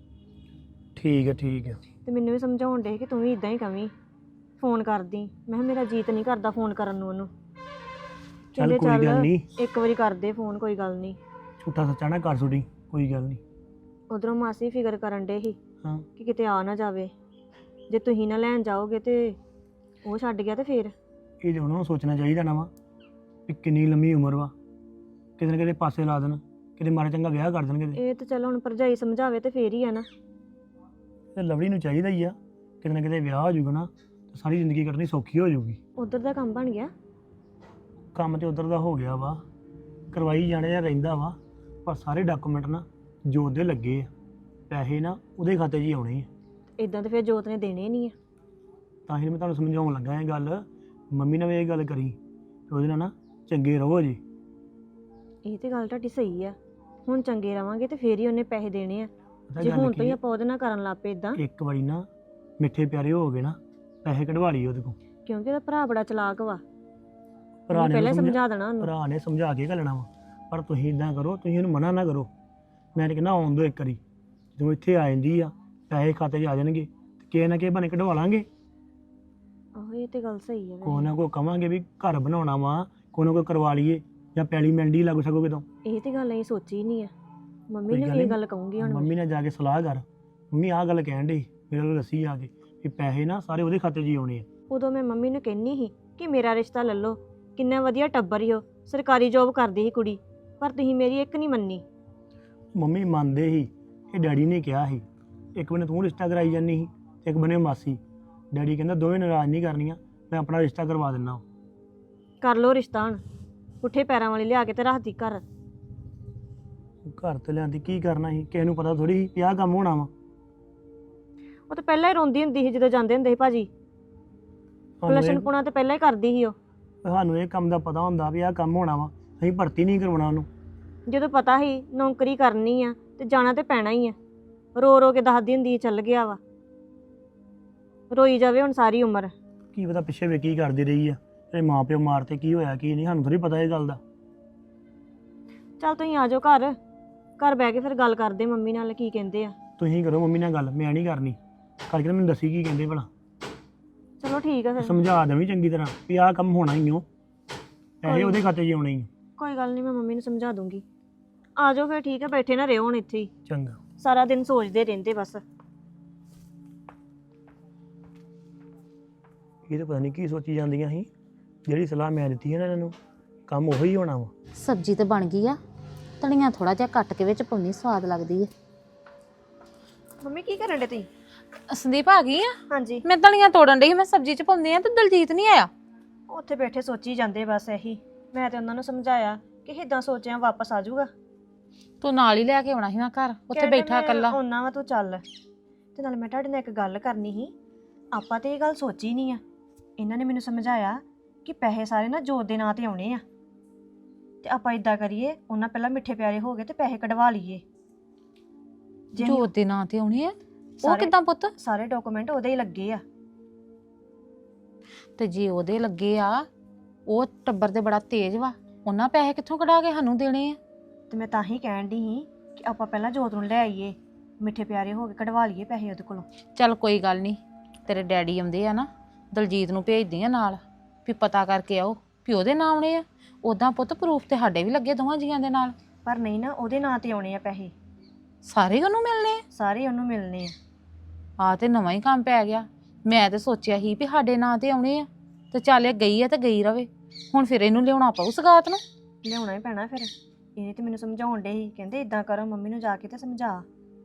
ਠੀਕ ਹੈ ਠੀਕ ਹੈ।
ਤੇ ਮੈਨੂੰ ਵੀ ਸਮਝਾਉਣ ਡੇ ਕਿ ਤੂੰ ਵੀ ਇਦਾਂ ਹੀ ਕਵੀਂ, ਫੋਨ ਕਰਦੀ। ਮੈਂ ਕਿਹਾ ਮੇਰਾ ਜੀਤ ਨਹੀਂ ਕਰਦਾ ਫੋਨ ਕਰਨ ਨੂੰ ਉਹਨੂੰ।
ਚੱਲ ਕੋਈ ਗੱਲ ਨਹੀਂ,
ਇੱਕ ਵਾਰੀ ਕਰਦੇ ਫੋਨ, ਕੋਈ ਗੱਲ ਨਹੀਂ।
ਝੂਠਾ ਸੱਚਾ ਨਾ ਕਰ ਸੁਣੀ, ਕੋਈ ਗੱਲ ਨਹੀਂ।
ਉਧਰੋਂ ਮਾਸੀ ਫਿਕਰ ਕਰਨ ਡੇ ਸੀ
ਹਾਂ
ਕਿ ਕਿਤੇ ਆ ਨਾ ਜਾਵੇ, ਜੇ ਤੁਸੀਂ ਨਾ ਲੈਣ ਜਾਓਗੇ ਤੇ ਉਹ ਛੱਡ ਗਿਆ ਤੇ ਫੇਰ।
ਇਹ ਤੇ ਉਹਨਾਂ ਨੂੰ ਸੋਚਣਾ ਚਾਹੀਦਾ ਨਾ ਵਾ ਵੀ ਕਿੰਨੀ ਲੰਮੀ ਉਮਰ ਵਾ, ਕਿਤੇ ਨਾ ਕਿਤੇ ਪਾਸੇ ਲਾ ਦੇਣ, ਕਿਤੇ ਮਾੜਾ ਚੰਗਾ ਵਿਆਹ ਕਰ ਦੇਣ ਕਿਤੇ।
ਇਹ ਤਾਂ ਚਲੋ ਹੁਣ ਭਰਜਾਈ ਸਮਝਾਵੇ ਤੇ ਫੇਰ ਹੀ ਆ ਨਾ।
ਤੇ ਲਵਲੀ ਨੂੰ ਚਾਹੀਦਾ ਹੀ ਆ, ਕਿਤੇ ਨਾ ਕਿਤੇ ਵਿਆਹ ਹੋ ਜਾਊਗਾ ਨਾ ਤਾਂ ਸਾਰੀ ਜ਼ਿੰਦਗੀ ਕੱਟਣੀ ਸੌਖੀ ਹੋ ਜਾਊਗੀ।
ਉਧਰ ਦਾ ਕੰਮ ਬਣ ਗਿਆ?
ਕੰਮ ਤੇ ਉਧਰ ਦਾ ਹੋ ਗਿਆ ਵਾ, ਕਰਵਾਈ ਜਾਣੇ ਜਾਂ ਰਹਿੰਦਾ ਵਾ, ਪਰ ਸਾਰੇ ਡਾਕੂਮੈਂਟ ਨਾ ਜੋਤ ਦੇ ਲੱਗੇ ਆ, ਪੈਸੇ ਨਾ ਉਹਦੇ ਖਾਤੇ 'ਚ ਹੀ ਆਉਣੇ ਆ।
ਇਦਾਂ ਤੇ ਫਿਰ ਜੋਤ ਨੇ ਦੇਣੇ ਨਹੀਂ ਆ।
ਤਾਂ ਹੀ ਮੈਂ ਤੁਹਾਨੂੰ ਸਮਝਾਉਣ ਲੱਗਾ ਇਹ ਗੱਲ, ਮੰਮੀ ਨਾਲ ਵੀ ਇਹ ਗੱਲ ਕਰੀ ਤੇ ਉਹਦੇ ਨਾਲ ਨਾ ਚੰਗੇ ਰਹੋ ਜੀ।
ਇਹ ਤੇ ਗੱਲ ਤੁਹਾਡੀ ਸਹੀ ਆ, ਹੁਣ ਚੰਗੇ ਰਵਾਂਗੇ ਤੇ ਫੇਰ ਹੀ ਉਹਨੇ ਪੈਸੇ ਦੇਣੇ ਆ।
ਪਤਾ
ਜੇ
ਗੱਲ
ਹੁਣ
ਕੀ
ਤੋਂ ਹੀ
ਆ,
ਆਪਾਂ ਉਹਦੇ ਨਾਲ ਕਰਨ ਲੱਗ ਪਏ ਇਦਾਂ,
ਇੱਕ ਵਾਰੀ ਨਾ ਮਿੱਠੇ ਪਿਆਰੇ ਹੋ ਗਏ ਨਾ, ਪੈਸੇ ਕਢਵਾ ਲਈ ਉਹਦੇ ਕੋਲ।
ਕਿਉਂਕਿ ਉਹਦਾ ਭਰਾ ਬੜਾ ਚਲਾਕ ਵਾ,
ਭਰਾ
ਉਹਨੇ
ਨੇ
ਪਹਿਲਾਂ
ਉਹਨੂੰ
ਸਮਝਾ ਦੇਣਾ ਉਹਨੂੰ।
ਭਰਾ ਨੇ ਸਮਝਾ ਕੇ ਘੱਲਣਾ ਵਾ, ਪਰ ਤੁਸੀਂ ਇਦਾਂ ਕਰੋ, ਤੁਸੀਂ ਉਹਨੂੰ ਮਨਾ ਨਾ ਕਰੋ। ਮੈਂ ਤਾਂ ਕਹਿੰਦਾ ਆਉਣ ਦਿਓ ਇੱਕ ਵਾਰੀ, ਜਦੋਂ ਇੱਥੇ ਆ ਜਾਂਦੀ ਆ ਪੈਸੇ ਖਾਤੇ 'ਚ ਆ ਜਾਣਗੇ ਤੇ ਕਿਸੇ ਨਾ ਕਿਸੇ ਬਹਾਨੇ ਕਢਵਾ ਲਾਂਗੇ।
ਆਹੋ ਇਹ ਤੇ ਗੱਲ ਸਹੀ ਆ।
ਕੋਈ ਨਾ ਕੋਈ ਕਵਾਂਗੇ ਵੀ ਘਰ ਬਣਾਉਣਾ ਵਾ, ਕੋਈ ਨਾ ਕੋਈ ਕਰਵਾ ਲਈਏ, ਜਾਂ ਪੈਲੀ ਮਿਲਦੀ ਲੱਗ ਸਕੋ ਕਿਤੋਂ।
ਇਹ ਤੇ ਗੱਲ ਅਸੀਂ ਸੋਚੀ ਨਹੀਂ ਆ, ਮੰਮੀ
ਕੋਈ
ਨੇ
ਗੱਲ
ਵੀ ਇਹ
ਨੀ।
ਗੱਲ ਕਹੂੰਗੀ ਹੁਣ ਮੈਂ।
ਮੰਮੀ ਨਾਲ ਜਾ ਕੇ ਸਲਾਹ ਕਰ, ਮੰਮੀ ਆਹ ਗੱਲ ਕਹਿਣ ਡਈ ਮੇਰੇ ਨਾਲ ਦੱਸੀ ਆ ਕੇ ਵੀ ਪੈਸੇ ਨਾ ਸਾਰੇ ਉਹਦੇ ਖਾਤੇ 'ਚ ਹੀ ਆਉਣੇ ਆ।
ਉਦੋਂ ਮੈਂ ਮੰਮੀ ਨੂੰ ਕਹਿੰਨੀ ਸੀ ਕਿ ਮੇਰਾ ਰਿਸ਼ਤਾ ਲੈ ਲਓ, ਕਿੰਨਾ ਵਧੀਆ ਟੱਬਰ ਹੀ ਉਹ, ਸਰਕਾਰੀ ਜੋਬ ਕਰਦੀ ਸੀ ਕੁੜੀ, ਪਰ ਤੁਸੀਂ ਮੇਰੀ ਇੱਕ ਨਹੀਂ ਮੰਨੀ।
ਮੰਮੀ ਮੰਨਦੇ ਸੀ, ਇਹ ਡੈਡੀ ਨੇ ਕਿਹਾ ਸੀ, ਇੱਕ ਬੰਨੇ ਤੂੰ ਰਿਸ਼ਤਾ ਕਰਾਈ ਜਾਂਦੀ ਸੀ, ਇੱਕ ਬੰਨੇ ਮਾਸੀ। ਡੈਡੀ ਕਹਿੰਦਾ ਦੋਵੇਂ ਨਾਰਾਜ਼ ਨਹੀਂ ਕਰਨੀਆਂ, ਮੈਂ ਆਪਣਾ ਰਿਸ਼ਤਾ ਕਰਵਾ ਦਿੰਦਾ।
ਕਰ ਲਓ ਰਿਸ਼ਤਾ ਹੁਣ, ਪੁੱਠੇ ਪੈਰਾਂ ਵਾਲੀ ਲਿਆ ਕੇ ਤੇ ਰੱਖਦੀ ਘਰ।
ਘਰ ਤੇ ਲਿਆਂਦੀ ਕੀ ਕਰਨਾ ਸੀ, ਕਿਸੇ ਨੂੰ ਪਤਾ ਥੋੜੀ ਸੀ ਆਹ ਕੰਮ ਹੋਣਾ ਵਾ।
ਉਹ ਤਾਂ ਪਹਿਲਾਂ ਹੀ ਰੋਂਦੀ ਹੁੰਦੀ ਸੀ ਜਦੋਂ ਜਾਂਦੇ ਹੁੰਦੇ ਸੀ ਭਾਜੀ। ਪਲਸਣ ਪੁਣਾ ਤੇ ਪਹਿਲਾਂ ਹੀ ਕਰਦੀ ਸੀ ਉਹ।
ਸਾਨੂੰ ਇਹ ਕੰਮ ਦਾ ਪਤਾ ਹੁੰਦਾ ਵੀ ਆਹ ਕੰਮ ਹੋਣਾ ਵਾ, ਅਸੀਂ ਭਰਤੀ ਨਹੀਂ ਕਰਵਾਉਣਾ ਉਹਨੂੰ।
ਜਦੋਂ ਪਤਾ ਸੀ ਨੌਕਰੀ ਕਰਨੀ ਆ ਤੇ ਜਾਣਾ ਤੇ ਪੈਣਾ ਹੀ ਆ। ਰੋ ਰੋ ਕੇ ਦੱਸਦੀ ਹੁੰਦੀ ਸੀ ਚੱਲ ਗਿਆ ਵਾ। ਰੋਈ ਜਾਵੇ ਹੁਣ ਸਾਰੀ ਉਮਰ।
ਕੀ ਪਤਾ ਪਿੱਛੇ ਵੇ ਕੀ ਕਰਦੀ ਰਹੀ ਆ, ਇਹ ਮਾਂ ਪਿਓ ਮਾਰਤੇ ਕੀ ਹੋਇਆ ਕੀ ਨਹੀਂ, ਸਾਨੂੰ ਥੋੜੀ ਪਤਾ ਇਹ ਗੱਲ ਦਾ।
ਚੱਲ ਤੁਸੀਂ ਆ ਜਾਓ ਘਰ, ਘਰ ਬਹਿ ਕੇ ਫਿਰ ਗੱਲ ਕਰਦੇ ਮੰਮੀ ਨਾਲ ਕੀ ਕਹਿੰਦੇ ਆ।
ਤੁਸੀਂ ਕਰੋ ਮੰਮੀ ਨਾਲ ਗੱਲ, ਮੈਂ ਨਹੀਂ ਕਰਨੀ। ਕਰਕੇ ਮੈਨੂੰ ਦੱਸੀ ਕੀ ਕਹਿੰਦੇ ਭਲਾ,
ਚਲੋ ਠੀਕ ਆ ਫਿਰ।
ਸਮਝਾ ਦੇਵੀਂ ਚੰਗੀ ਤਰ੍ਹਾਂ ਵੀ ਆਹ ਕੰਮ ਹੋਣਾ ਹੀ ਓ, ਪੈਸੇ ਉਹਦੇ ਖਾਤੇ 'ਚ ਆਉਣੇ ਹੀ।
ਕੋਈ ਗੱਲ ਨਹੀਂ, ਮੈਂ ਮੰਮੀ ਨੂੰ ਸਮਝਾ ਦੂੰਗੀ। ਆ ਜਾਓ ਫਿਰ ਠੀਕ ਆ, ਬੈਠੇ ਨਾ ਰਹੋ ਹੁਣ ਇੱਥੇ ਹੀ,
ਚੰਗਾ।
ਸਾਰਾ ਦਿਨ ਸੋਚਦੇ ਰਹਿੰਦੇ ਬਸ।
ਇਹ ਤਾਂ ਪਤਾ ਨਹੀਂ ਕੀ ਸੋਚੀ ਜਾਂਦੀਆਂ ਸੀ, ਜਿਹੜੀ ਸਲਾਹ ਮੈਂ ਦਿੱਤੀ ਹੈ ਨਾ ਇਹਨਾਂ ਨੂੰ ਕੰਮ ਉਹੀ ਹੋਣਾ ਵਾ।
ਸਬਜ਼ੀ ਤੇ ਬਣ ਗਈ ਆ, ਧਨੀਆ ਥੋੜਾ ਜਿਹਾ ਕੱਟ ਕੇ ਵਿੱਚ ਪਾਉਣੀ, ਸਵਾਦ ਲੱਗਦੀ ਹੈ।
ਮੰਮੀ ਕੀ ਕਰਨ ਡੇ ਤੁਸੀਂ?
ਸੰਦੀਪ ਆ ਗਈ ਆ?
ਹਾਂਜੀ।
ਮੈਂ ਧਨੀਆ ਤੋੜਨ ਡਈ ਸੀ, ਮੈਂ ਸਬਜ਼ੀ 'ਚ ਪਾਉਂਦੀ ਆ ਤੇ ਦਲਜੀਤ ਨਹੀਂ ਆਇਆ।
ਉੱਥੇ ਬੈਠੇ ਸੋਚੀ ਜਾਂਦੇ ਬਸ ਇਹੀ। ਮੈਂ ਤੇ ਉਹਨਾਂ ਨੂੰ ਸਮਝਾਇਆ ਕਿ ਇਦਾਂ ਸੋਚਿਆ ਵਾਪਸ ਆ ਜਾਊਗਾ।
ਤੂੰ ਨਾਲ ਹੀ ਲੈ ਕੇ ਆਉਣਾ ਸੀ ਨਾ ਘਰ, ਉੱਥੇ ਬੈਠਾ ਇਕੱਲਾ।
ਉਹਨਾਂ ਵਾ ਤੂੰ ਚੱਲ। ਤੇ ਨਾਲ ਮੈਂ ਤੁਹਾਡੇ ਨਾਲ ਇੱਕ ਗੱਲ ਕਰਨੀ ਸੀ। ਆਪਾਂ ਤੇ ਇਹ ਗੱਲ ਸੋਚੀ ਨਹੀਂ ਆ। ਇਹਨਾਂ ਨੇ ਮੈਨੂੰ ਸਮਝਾਇਆ ਕਿ ਪੈਸੇ ਸਾਰੇ ਨਾ ਜੋਤ ਦੇ ਨਾਂ ਤੇ ਆਉਣੇ ਆ, ਤੇ ਆਪਾਂ ਇਦਾਂ ਕਰੀਏ, ਉਹਨਾਂ ਪਹਿਲਾਂ ਮਿੱਠੇ ਪਿਆਰੇ ਹੋ ਗਏ ਤੇ ਪੈਸੇ ਕਢਵਾ ਲਈਏ।
ਜੋਤ ਦੇ ਨਾਂ ਤੇ ਆਉਣੇ ਆ? ਉਹ ਕਿੱਦਾਂ ਪੁੱਤ?
ਸਾਰੇ ਡਾਕੂਮੈਂਟ ਉਹਦੇ ਹੀ ਲੱਗੇ ਆ।
ਤੇ ਜੇ ਉਹਦੇ ਲੱਗੇ ਆ, ਉਹ ਟੱਬਰ ਦੇ ਬੜਾ ਤੇਜ਼ ਵਾ, ਉਹਨਾਂ ਪੈਸੇ ਕਿੱਥੋਂ ਕਢਾ ਕੇ ਸਾਨੂੰ ਦੇਣੇ ਆ?
ਤੇ ਮੈਂ ਤਾਂ ਹੀ ਕਹਿਣ ਦੀ ਸੀ ਕਿ ਆਪਾਂ ਪਹਿਲਾਂ ਜੋਤ ਨੂੰ ਲੈ ਆਈਏ, ਮਿੱਠੇ ਪਿਆਰੇ ਹੋ ਕੇ ਕਢਵਾ ਲਈਏ ਪੈਸੇ ਉਹਦੇ ਕੋਲੋਂ।
ਚੱਲ ਕੋਈ ਗੱਲ ਨਹੀਂ, ਤੇਰੇ ਡੈਡੀ ਆਉਂਦੇ ਆ ਨਾ, ਦਲਜੀਤ ਨੂੰ ਭੇਜਦੀ ਆ ਨਾਲ, ਵੀ ਪਤਾ ਕਰਕੇ ਆਓ ਵੀ ਉਹਦੇ ਨਾਂ ਆਉਣੇ ਆ। ਉਦਾਂ ਪੁੱਤ ਪ੍ਰੂਫ ਤੇ ਸਾਡੇ ਵੀ ਲੱਗੇ ਦੋਵਾਂ ਜੀਆਂ ਦੇ ਨਾਲ।
ਪਰ ਨਹੀਂ ਨਾ, ਉਹਦੇ ਨਾਂ ਤੇ ਆਉਣੇ ਆ ਪੈਸੇ,
ਸਾਰੇ ਉਹਨੂੰ ਮਿਲਣੇ ਆ?
ਸਾਰੇ ਉਹਨੂੰ ਮਿਲਣੇ ਆ।
ਆ ਤੇ ਨਵਾਂ ਹੀ ਕੰਮ ਪੈ ਗਿਆ। ਮੈਂ ਤੇ ਸੋਚਿਆ ਸੀ ਵੀ ਸਾਡੇ ਨਾਂ ਤੇ ਆਉਣੇ ਆ, ਤੇ ਚੱਲ ਇਹ ਗਈ ਆ ਤੇ ਗਈ ਰਵੇ। ਹੁਣ ਫਿਰ ਇਹਨੂੰ ਲਿਆਉਣਾ ਪਊ ਸਗਾਤ ਨੂੰ।
ਲਿਆਉਣਾ ਹੀ ਪੈਣਾ ਫਿਰ। ਇਹਨੇ ਤੇ ਮੈਨੂੰ ਸਮਝਾਉਣ ਡੇ ਸੀ, ਕਹਿੰਦੇ ਇਦਾਂ ਕਰੋ, ਮੰਮੀ ਨੂੰ ਜਾ ਕੇ ਤੇ ਸਮਝਾ।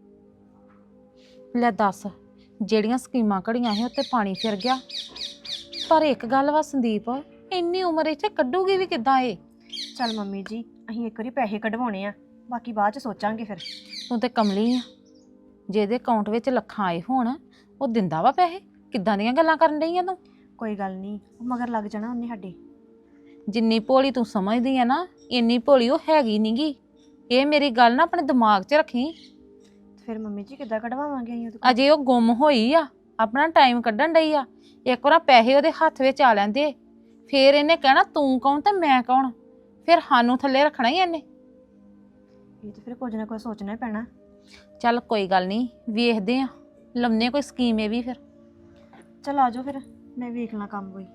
ਲੈ ਦੱਸ, ਜਿਹੜੀਆਂ ਸਕੀਮਾਂ ਘੜੀਆਂ ਸੀ ਉੱਤੇ ਪਾਣੀ ਫਿਰ ਗਿਆ। ਪਰ ਇੱਕ ਗੱਲ ਵਾ ਸੰਦੀਪ, ਇੰਨੀ ਉਮਰ ਇੱਥੇ ਕੱਢੂਗੀ ਵੀ ਕਿੱਦਾਂ ਇਹ?
ਚੱਲ ਮੰਮੀ ਜੀ, ਅਸੀਂ ਇੱਕ ਵਾਰੀ ਪੈਸੇ ਕਢਵਾਉਣੇ ਆ, ਬਾਕੀ ਬਾਅਦ ਚ ਸੋਚਾਂਗੇ ਫਿਰ।
ਤੂੰ ਤੇ ਕਮਲੀ ਆ, ਜਿਹਦੇ ਅਕਾਊਂਟ ਵਿੱਚ ਲੱਖਾਂ ਆਏ ਹੋਣ ਉਹ ਦਿੰਦਾ ਵਾ ਪੈਸੇ? ਕਿੱਦਾਂ ਦੀਆਂ ਗੱਲਾਂ ਕਰਨ ਡਈ ਆ ਤੂੰ?
ਕੋਈ ਗੱਲ ਨਹੀਂ, ਉਹ ਮਗਰ ਲੱਗ ਜਾਣਾ ਉਹਨੇ ਸਾਡੇ।
ਜਿੰਨੀ ਭੋਲੀ ਤੂੰ ਸਮਝਦੀ ਆ ਨਾ, ਇੰਨੀ ਭੋਲੀ ਉਹ ਹੈਗੀ ਨਹੀਂਗੀ। ਇਹ ਮੇਰੀ ਗੱਲ ਨਾ ਆਪਣੇ ਦਿਮਾਗ 'ਚ ਰੱਖੀ।
ਫਿਰ ਮੰਮੀ ਜੀ ਕਿੱਦਾਂ ਕਢਵਾਵਾਂਗੇ ਅਸੀਂ ਉਹਦੇ ਕੋਲ?
ਅਜੇ ਉਹ ਗੁੰਮ ਹੋਈ ਆ, ਆਪਣਾ ਟਾਈਮ ਕੱਢਣ ਡਈ ਆ। ਇੱਕ ਵਾਰ ਪੈਸੇ ਉਹਦੇ ਹੱਥ ਵਿੱਚ ਆ ਲੈਂਦੇ, ਫੇਰ ਇਹਨੇ ਕਹਿਣਾ ਤੂੰ ਕੌਣ ਤੇ ਮੈਂ ਕੌਣ, ਫਿਰ ਸਾਨੂੰ ਥੱਲੇ ਰੱਖਣਾ ਹੀ ਇਹਨੇ।
ਇਹ ਤੇ ਫਿਰ ਕੁਝ ਨਾ ਕੁਝ ਸੋਚਣਾ ਹੀ ਪੈਣਾ।
ਚੱਲ ਕੋਈ ਗੱਲ ਨਹੀਂ, ਵੇਖਦੇ ਆ, ਲੰਮੇ ਕੋਈ ਸਕੀਮ ਇਹ ਵੀ ਫਿਰ।
ਚੱਲ ਆ ਜਾਓ ਫਿਰ, ਮੈਂ ਵੇਖ ਲਾਂ ਕੰਮ ਕੋਈ।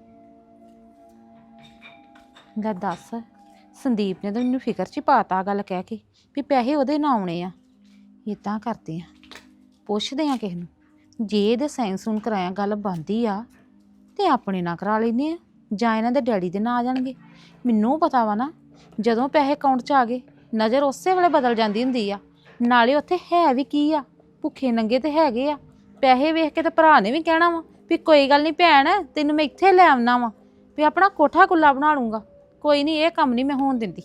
ਲੈ ਦੱਸ, ਸੰਦੀਪ ਨੇ ਤਾਂ ਮੈਨੂੰ ਫਿਕਰ 'ਚ ਹੀ ਪਾਤਾ ਗੱਲ ਕਹਿ ਕੇ ਵੀ ਪੈਸੇ ਉਹਦੇ ਨਾਂ ਆਉਣੇ ਆ। ਇੱਦਾਂ ਕਰਦੇ ਆ, ਪੁੱਛਦੇ ਆ ਕਿਸੇ ਨੂੰ, ਜੇ ਇਹਦੇ ਸਾਈਨ ਸੂਨ ਕਰਾਇਆ ਗੱਲ ਬਣਦੀ ਆ ਤੇ ਆਪਣੇ ਨਾਂ ਕਰਾ ਲੈਂਦੇ ਆ, ਜਾਂ ਇਹਨਾਂ ਦੇ ਡੈਡੀ ਦੇ ਨਾਂ ਆ ਜਾਣਗੇ। ਮੈਨੂੰ ਪਤਾ ਵਾ ਨਾ, ਜਦੋਂ ਪੈਸੇ ਅਕਾਊਂਟ 'ਚ ਆ ਗਏ ਨਜ਼ਰ ਉਸੇ ਵੇਲੇ ਬਦਲ ਜਾਂਦੀ ਹੁੰਦੀ ਆ। ਨਾਲੇ ਉੱਥੇ ਹੈ ਵੀ ਕੀ ਆ, ਭੁੱਖੇ ਨੰਗੇ ਤੇ ਹੈਗੇ ਆ। ਪੈਸੇ ਵੇਖ ਕੇ ਤੇ ਭਰਾ ਨੇ ਵੀ ਕਹਿਣਾ ਵਾ ਵੀ ਕੋਈ ਗੱਲ ਨਹੀਂ ਭੈਣ, ਤੈਨੂੰ ਮੈਂ ਇੱਥੇ ਲੈ ਆਉਣਾ ਵਾ, ਵੀ ਆਪਣਾ ਕੋਠਾ ਕੁੱਲਾ ਬਣਾ ਲੂੰਗਾ। ਕੋਈ ਨਹੀਂ, ਇਹ ਕੰਮ ਨਹੀਂ ਮੈਂ ਹੋਣ ਦਿੰਦੀ।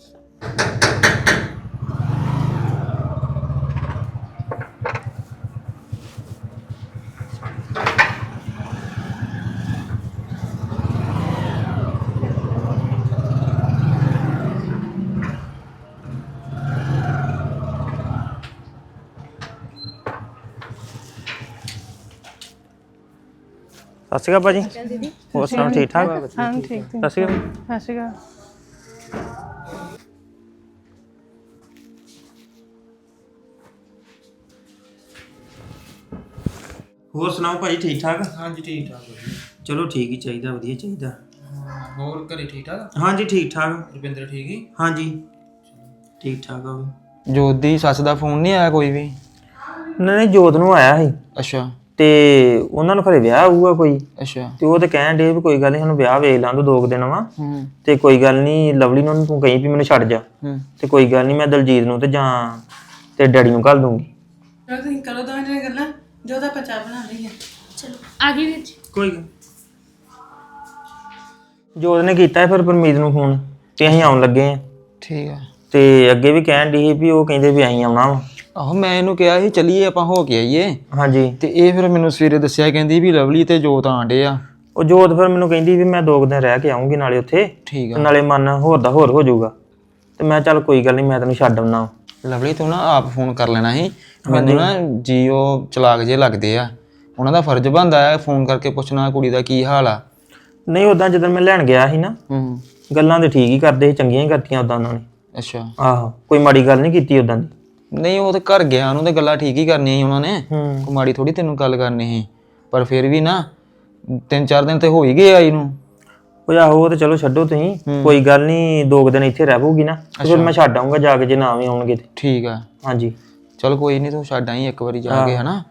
ਸਤਿ ਸ਼੍ਰੀ ਅਕਾਲ ਭਾਜੀ। ਹੋਰ ਸੁਣਾਓ, ਠੀਕ ਠਾਕ?
ਹਾਂ ਠੀਕ।
ਸਤਿ ਸ਼੍ਰੀ ਅਕਾਲ।
ਸਤਿ ਸ਼੍ਰੀ ਅਕਾਲ।
ਹੋਰ ਸੁਣਾਓ ਭਾਜੀ, ਠੀਕ ਠਾਕ?
ਹਾਂਜੀ ਠੀਕ ਠਾਕ ਵਧੀਆ।
ਚਲੋ ਠੀਕ ਹੀ ਚਾਹੀਦਾ, ਵਧੀਆ ਚਾਹੀਦਾ।
ਹੋਰ ਘਰੇ ਠੀਕ ਠਾਕ?
ਹਾਂਜੀ ਠੀਕ ਠਾਕ।
ਰੁਪਿੰਦਰ ਠੀਕ ਹੀ?
ਹਾਂਜੀ ਠੀਕ ਠਾਕ ਆ ਵੀ।
ਜੋਤ ਦੀ ਸੱਸ ਦਾ ਫੋਨ ਨਹੀਂ ਆਇਆ ਕੋਈ ਵੀ?
ਨਹੀਂ ਜੋਤ ਨੂੰ ਆਇਆ ਸੀ,
ਅੱਛਾ
ਤੇ ਉਹਨਾਂ ਨੂੰ ਖਰੇ ਵਿਆਹ ਆਊਗਾ ਕੋਈ,
ਅੱਛਾ।
ਤੇ ਉਹ ਤੇ ਕਹਿਣ ਡੇ ਵੀ ਕੋਈ ਗੱਲ ਨਹੀਂ, ਸਾਨੂੰ ਵਿਆਹ ਵੇਖ ਲਾਂ ਦੋ 2 ਦਿਨ ਵਾ,
ਹੂੰ
ਤੇ ਕੋਈ ਗੱਲ ਨਹੀਂ ਲਵਲੀ ਨੂੰ ਤੂੰ ਕਹੀਂ ਵੀ ਮੈਨੂੰ ਛੱਡ ਜਾ,
ਹੂੰ
ਤੇ ਕੋਈ ਗੱਲ ਨਹੀਂ ਮੈਂ ਦਲਜੀਤ ਨੂੰ ਤੇ ਜਾਂ ਤੇ ਡੈਡੀ ਨੂੰ ਘੱਲ ਦੂੰਗੀ।
ਚਲੋ ਤੁਸੀਂ ਕਰੋ ਦੋਵੇਂ ਜਣੇ ਗੱਲਾਂ, ਜੋ ਦਾ ਪਚਾ ਬਣਾ ਲਈਏ।
ਕੋਈ ਗੱਲ। ਜੋਤ ਨੇ ਕੀਤਾ ਫਿਰ ਪਰਮੀਤ ਨੂੰ ਫੋਨ ਤੇ ਅਸੀਂ ਆਉਣ ਲੱਗੇ ਆ।
ਠੀਕ ਆ।
ਤੇ ਅੱਗੇ ਵੀ ਕਹਿਣ ਦੀ ਸੀ ਵੀ ਉਹ ਕਹਿੰਦੇ ਵੀ ਅਸੀਂ ਆਉਣਾ ਵਾ।
ਆਹੋ ਮੈਂ ਇਹਨੂੰ ਕਿਹਾ ਸੀ ਚੱਲੀਏ ਆਪਾਂ ਹੋ ਕੇ ਆਈਏ,
ਹਾਂਜੀ।
ਤੇ ਇਹ ਫਿਰ ਮੈਨੂੰ ਸਵੇਰੇ ਦੱਸਿਆ, ਕਹਿੰਦੀ ਵੀ ਲਵਲੀ ਤੇ ਜੋਤ ਆਂਡੇ ਆ।
ਉਹ ਜੋਤ ਫਿਰ ਮੈਨੂੰ ਕਹਿੰਦੀ ਵੀ ਮੈਂ 2 ਦਿਨ ਰਹਿ ਕੇ ਆਉਂਗੀ ਨਾਲੇ ਉੱਥੇ,
ਠੀਕ
ਤੇ
ਆ।
ਨਾਲੇ ਮਨ ਹੋਰ ਦਾ ਹੋਰ ਹੋ ਜਾਊਗਾ। ਤੇ ਮੈਂ ਚੱਲ ਕੋਈ ਗੱਲ ਨਹੀਂ, ਮੈਂ ਤੈਨੂੰ ਛੱਡ ਆਉਣਾ।
ਲਵਲੀ ਤੂੰ ਨਾ ਆਪ ਫੋਨ ਕਰ ਲੈਣਾ ਸੀ ਮੈਨੂੰ ਨਾ, ਜੀਓ ਚਲਾਕ ਜੇ ਲੱਗਦੇ ਆ, ਉਹਨਾਂ ਦਾ ਫਰਜ਼ ਬਣਦਾ ਹੈ ਫੋਨ ਕਰਕੇ ਪੁੱਛਣਾ ਕੁੜੀ ਦਾ ਕੀ ਹਾਲ ਆ।
ਨਹੀਂ ਉਦਾਂ ਜਦੋਂ ਮੈਂ ਲੈਣ ਗਿਆ ਸੀ ਨਾ, ਗੱਲਾਂ ਤੇ ਠੀਕ ਹੀ ਕਰਦੇ ਸੀ, ਚੰਗੀਆਂ ਹੀ ਕਰਤੀਆਂ ਉਦਾਂ ਉਹਨਾਂ ਨੇ।
ਅੱਛਾ।
ਆਹੋ, ਕੋਈ ਮਾੜੀ ਗੱਲ ਨਹੀਂ ਕੀਤੀ ਉਦਾਂ ਦੀ।
ਨਹੀਂ ਉਹ ਤੇ ਘਰ ਗਿਆ, ਉਹਨੂੰ ਤੇ ਗੱਲਾਂ ਠੀਕ ਹੀ ਕਰਨੀਆਂ ਸੀ ਉਹਨਾਂ ਨੇ, ਕੋਈ ਮਾੜੀ ਥੋੜੀ ਤੈਨੂੰ ਗੱਲ ਕਰਨੀ ਸੀ। ਪਰ ਫਿਰ ਵੀ ਨਾ 3-4 ਦਿਨ ਤੇ ਹੋ ਹੀ ਗਏ ਆਈ ਨੂੰ।
ਉਹ ਆਹੋ, ਉਹ ਤੇ ਚਲੋ ਛੱਡੋ ਤੁਸੀਂ, ਕੋਈ ਗੱਲ ਨਹੀਂ, 2 ਦਿਨ ਇੱਥੇ ਰਹਿ ਪਊਗੀ ਨਾ, ਤੇ ਫਿਰ ਮੈਂ ਛੱਡ ਆਊਂਗਾ ਜਾ ਕੇ ਜੇ ਨਾ ਵੀ ਆਉਣਗੇ ਤੇ।
ਠੀਕ ਆ।
ਹਾਂਜੀ
ਚਲ ਕੋਈ ਨਹੀਂ, ਤੂੰ ਛੱਡ ਆਈ ਇੱਕ ਵਾਰੀ ਜਾ ਕੇ, ਹਨਾ।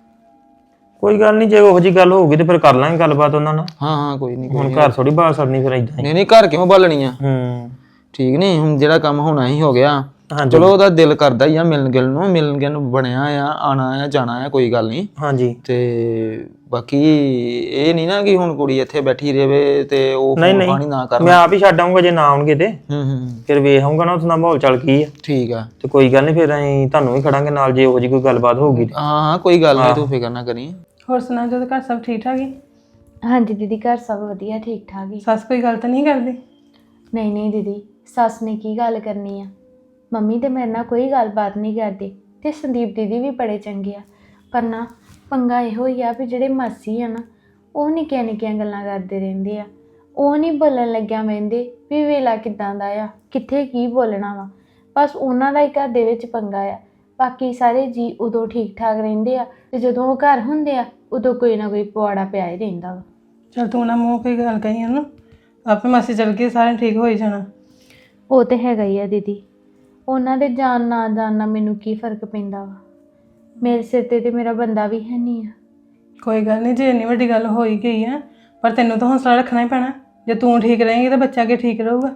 ਕੋਈ ਗੱਲ ਨਹੀਂ, ਜੇ ਉਹੋ ਜੀ ਗੱਲ ਹੋਊਗੀ ਤੇ ਫਿਰ ਕਰ ਲਾਂਗੇ ਗੱਲਬਾਤ ਉਹਨਾਂ ਨਾਲ।
ਹਾਂ ਕੋਈ ਨਹੀਂ,
ਹੁਣ ਘਰ ਥੋੜੀ ਬਾਤ ਕਰਨੀ ਫਿਰ ਇਦਾਂ ਹੀ।
ਨਹੀਂ ਨਹੀਂ ਘਰ ਕਿਉਂ ਬਾਲਣੀ ਆ। ਠੀਕ ਨਹੀਂ, ਹੁਣ ਜਿਹੜਾ ਕੰਮ ਹੋਣਾ ਹੀ ਹੋ ਗਿਆ। ਚਲੋ ਉਹਦਾ ਦਿਲ ਕਰਦਾ ਹੀ ਆ ਮਿਲਣ ਗਿਲਣ ਨੂੰ, ਮਿਲਣ ਗਿਲਣ ਨੂੰ ਬਣਿਆ ਆ, ਆਣਾ ਆ ਜਾਣਾ ਆ, ਕੋਈ ਗੱਲ ਨਹੀਂ।
ਹਾਂਜੀ।
ਤੇ ਬਾਕੀ ਇਹ ਨਹੀਂ ਨਾ ਕਿ ਹੁਣ ਕੁੜੀ ਇੱਥੇ ਬੈਠੀ ਰਹੇ ਤੇ ਉਹ
ਨਹੀਂ
ਪਾਣੀ ਨਾ ਕਰਨਾ।
ਮੈਂ ਆਪ ਹੀ ਛੱਡ ਆਊਂਗਾ ਜੇ ਨਾ ਆਉਣਗੇ ਤੇ।
ਹੂੰ
ਫਿਰ ਵੇਖ ਆਊਂਗਾ ਨਾ ਉੱਥੇ ਦਾ ਮਾਹੌਲ ਚੱਲ ਕੀ ਆ।
ਠੀਕ ਆ।
ਤੇ ਕੋਈ ਗੱਲ ਨਹੀਂ, ਫਿਰ ਅਸੀਂ ਤੁਹਾਨੂੰ ਵੀ ਖੜਾਂਗੇ ਨਾਲ ਜੇ ਉਹੋ ਜੀ ਕੋਈ ਗੱਲਬਾਤ ਹੋਊਗੀ।
ਹਾਂ ਕੋਈ ਗੱਲ ਨਹੀਂ, ਤੂੰ ਫਿਕਰ ਨਾ ਕਰੀ।
ਹੋਰ ਸੁਣਾ, ਜਦੋਂ ਘਰ ਸਭ ਠੀਕ ਠਾਕ ਹੀ?
ਹਾਂਜੀ ਦੀਦੀ, ਘਰ ਸਭ ਵਧੀਆ, ਠੀਕ ਠਾਕ ਹੀ।
ਸੱਸ ਕੋਈ ਗੱਲ ਤਾਂ ਨਹੀਂ ਕਰਦੀ?
ਨਹੀਂ ਨਹੀਂ ਦੀਦੀ, ਸੱਸ ਨੇ ਕੀ ਗੱਲ ਕਰਨੀ ਆ। ਮੰਮੀ ਤੇ ਮੇਰੇ ਨਾਲ ਕੋਈ ਗੱਲਬਾਤ ਨਹੀਂ ਕਰਦੀ, ਤੇ ਸੰਦੀਪ ਦੀਦੀ ਵੀ ਬੜੇ ਚੰਗੇ ਆ। ਪਰ ਨਾ ਪੰਗਾ ਇਹੋ ਹੀ ਆ ਵੀ ਜਿਹੜੇ ਮਾਸੀ ਆ ਨਾ, ਉਹ ਨਿੱਕੀਆਂ ਨਿੱਕੀਆਂ ਗੱਲਾਂ ਕਰਦੇ ਰਹਿੰਦੇ ਆ। ਉਹ ਨਹੀਂ ਬੋਲਣ ਲੱਗਿਆ ਵਹਿੰਦੇ ਵੀ ਵੇਲਾ ਕਿੱਦਾਂ ਦਾ ਆ, ਕਿੱਥੇ ਕੀ ਬੋਲਣਾ ਵਾ। ਬਸ ਉਹਨਾਂ ਦਾ ਹੀ ਘਰ ਦੇ ਵਿੱਚ ਪੰਗਾ ਆ। ਬਾਕੀ ਸਾਰੇ ਜੀ ਉਦੋਂ ਠੀਕ ਠਾਕ ਰਹਿੰਦੇ ਆ, ਤੇ ਜਦੋਂ ਉਹ ਘਰ ਹੁੰਦੇ ਆ ਉਦੋਂ ਕੋਈ ਨਾ ਕੋਈ ਪੁਆੜਾ ਪਿਆ ਹੀ ਰਹਿੰਦਾ ਵਾ।
ਚਲ ਤੂੰ ਨਾ ਮੂੰਹ ਕੋਈ ਗੱਲ ਕਹੀ ਉਹਨੂੰ, ਆਪੇ ਮਾਸੀ ਚੱਲ ਕੇ ਸਾਰੇ ਠੀਕ ਹੋ ਹੀ ਜਾਣਾ।
ਉਹ ਤੇ ਹੈਗਾ ਹੀ ਆ ਦੀਦੀ, ਉਹਨਾਂ ਦੇ ਜਾਣ ਨਾ ਜਾਣ ਨਾਲ ਮੈਨੂੰ ਕੀ ਫਰਕ ਪੈਂਦਾ ਵਾ। ਮੇਰੇ ਸਿਰ ਤੇ ਮੇਰਾ ਬੰਦਾ ਵੀ ਹੈ ਨਹੀਂ ਆ।
ਕੋਈ ਗੱਲ ਨਹੀਂ, ਜੇ ਇੰਨੀ ਵੱਡੀ ਗੱਲ ਹੋ ਹੀ ਗਈ ਆ, ਪਰ ਤੈਨੂੰ ਤਾਂ ਹੌਸਲਾ ਰੱਖਣਾ ਹੀ ਪੈਣਾ। ਜੇ ਤੂੰ ਠੀਕ ਰਹੇਂਗੀ ਤਾਂ ਬੱਚਾ ਅੱਗੇ ਠੀਕ ਰਹੂਗਾ।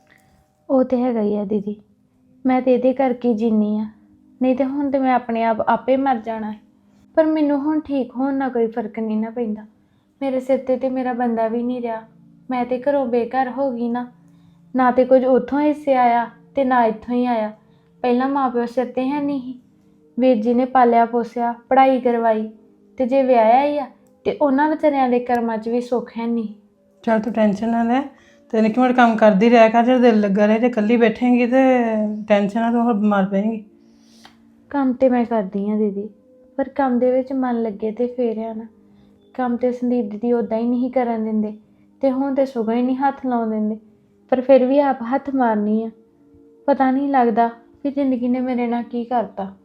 ਉਹ ਤੇ ਹੈਗਾ ਹੀ ਆ ਦੀਦੀ, ਮੈਂ ਤੇ ਇਹਦੇ ਕਰਕੇ ਜੀਨੀ ਆ, ਨਹੀਂ ਤੇ ਹੁਣ ਤੇ ਮੈਂ ਆਪਣੇ ਆਪ ਆਪੇ ਮਰ ਜਾਣਾ ਹੈ। ਪਰ ਮੈਨੂੰ ਹੁਣ ਠੀਕ ਹੋਣ ਨਾਲ ਕੋਈ ਫਰਕ ਨਹੀਂ ਨਾ ਪੈਂਦਾ। ਮੇਰੇ ਸਿਰ ਤੇ ਮੇਰਾ ਬੰਦਾ ਵੀ ਨਹੀਂ ਰਿਹਾ। ਮੈਂ ਤੇ ਘਰੋਂ ਬੇਘਰ ਹੋ ਗਈ ਨਾ ਤੇ ਕੁਝ ਉੱਥੋਂ ਹਿੱਸੇ ਆਇਆ ਤੇ ਨਾ ਇੱਥੋਂ ਹੀ ਆਇਆ। ਪਹਿਲਾਂ ਮਾਂ ਪਿਓ ਸਿਰ ਤੇ ਹੈ ਨਹੀਂ ਸੀ, ਵੀਰ ਜੀ ਨੇ ਪਾਲਿਆ ਪੋਸਿਆ, ਪੜ੍ਹਾਈ ਕਰਵਾਈ, ਤੇ ਜੇ ਵਿਆਹਿਆ ਹੀ ਆ ਤੇ ਉਹਨਾਂ ਵਿਚਾਰਿਆਂ ਦੇ ਕਰਮਾਂ 'ਚ ਵੀ ਸੁੱਖ ਹੈ ਨਹੀਂ।
ਚਲ ਤੂੰ ਟੈਨਸ਼ਨ ਨਾ ਲੈ, ਤੇ ਨਿੱਕੀ ਮੋਟੀ ਕੰਮ ਕਰਦੀ ਰਿਹਾ ਕਰ, ਜੇ ਦਿਲ ਲੱਗਾ ਰਹੇ। ਜੇ ਇਕੱਲੀ ਬੈਠੇਂਗੀ ਤੇ ਟੈਨਸ਼ਨ ਨਾਲ ਤੂੰ ਹੋਰ ਬਿਮਾਰ ਪਏਂਗੀ।
ਕੰਮ ਤੇ ਮੈਂ ਕਰਦੀ ਹਾਂ ਦੀਦੀ, ਪਰ ਕੰਮ ਦੇ ਵਿੱਚ ਮਨ ਲੱਗੇ ਤੇ ਫੇਰ ਆ ਨਾ। ਕੰਮ ਤੇ ਸੰਦੀਪ ਦੀਦੀ ਉੱਦਾਂ ਹੀ ਨਹੀਂ ਕਰਨ ਦਿੰਦੇ, ਤੇ ਹੁਣ ਤੇ ਸਗੋਂ ਹੀ ਨਹੀਂ ਹੱਥ ਲਾਉਣ ਦਿੰਦੇ। ਪਰ ਫਿਰ ਵੀ ਆਪ ਹੱਥ ਮਾਰਨੀ ਆ। ਪਤਾ ਨਹੀਂ ਲੱਗਦਾ ਕਿ ਜ਼ਿੰਦਗੀ ਨੇ ਮੇਰੇ ਨਾਲ ਕੀ ਕਰਤਾ।